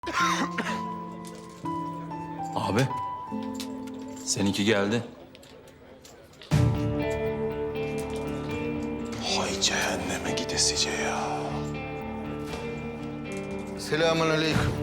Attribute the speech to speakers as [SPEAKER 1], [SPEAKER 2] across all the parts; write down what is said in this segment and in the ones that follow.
[SPEAKER 1] Abi, seninki geldi.
[SPEAKER 2] Hay cehenneme gidesice ya.
[SPEAKER 3] Selamünaleyküm.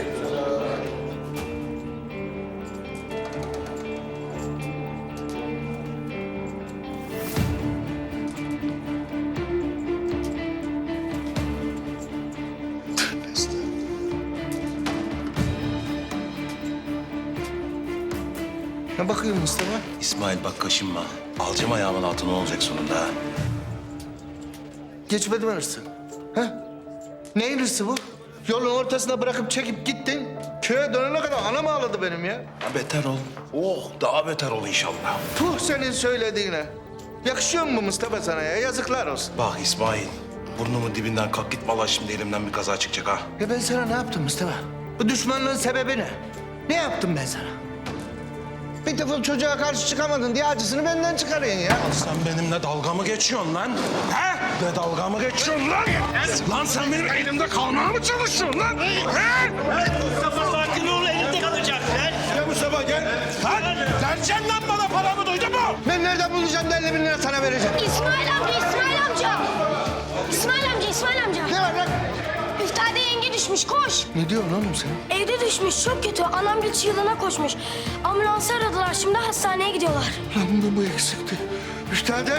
[SPEAKER 3] Ne bakıyorsun Mustafa?
[SPEAKER 2] İsmail bak kaşınma. Alacağım ayağımın altına olacak sonunda ha.
[SPEAKER 3] Geçmedi mi hırsı? Ha? Neyin hırsı bu? Yolun ortasına bırakıp çekip gittin. Köye dönene kadar anam ağladı benim ya.
[SPEAKER 2] Ha, beter ol. Oh daha beter ol inşallah.
[SPEAKER 3] Puh senin söylediğine. Yakışıyor mu Mustafa sana ya? Yazıklar olsun.
[SPEAKER 2] Bak İsmail. Burnumun dibinden kalk git vallahi şimdi elimden bir kaza çıkacak ha.
[SPEAKER 3] Ya ben sana ne yaptım Mustafa? Bu düşmanlığın sebebi ne? Ne yaptım ben sana? Bir defa çocuğa karşı çıkamadın diye acısını benden çıkarıyorsun ya.
[SPEAKER 2] Sen benimle dalga mı geçiyorsun lan? He? Ne dalga mı geçiyorsun lan? Lan sen benim elimde kalmaya mı çalışıyorsun lan? He?
[SPEAKER 4] Mustafa sakin ol, elinde kalacak.
[SPEAKER 2] Gel Mustafa gel. Lan vereceksin lan bana paramı duydun mu?
[SPEAKER 3] Ben nereden bulacağım da 50 bin lira sana vereceğim?
[SPEAKER 5] İsmail amca, İsmail amca. İsmail amca, İsmail amca.
[SPEAKER 3] Ne var lan?
[SPEAKER 5] Üftade yenge düşmüş, koş.
[SPEAKER 3] Ne diyorsun oğlum sen?
[SPEAKER 5] Evde düşmüş, çok kötü. Anam güç yılına koşmuş. Ambulansı aradılar, şimdi hastaneye gidiyorlar.
[SPEAKER 3] Lan bu eksikti. Üstade.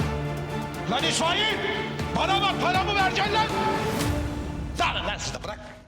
[SPEAKER 4] Lan İsmail! Bana bak, paramı vereceksin lan! Dağılın lan siz de bırak.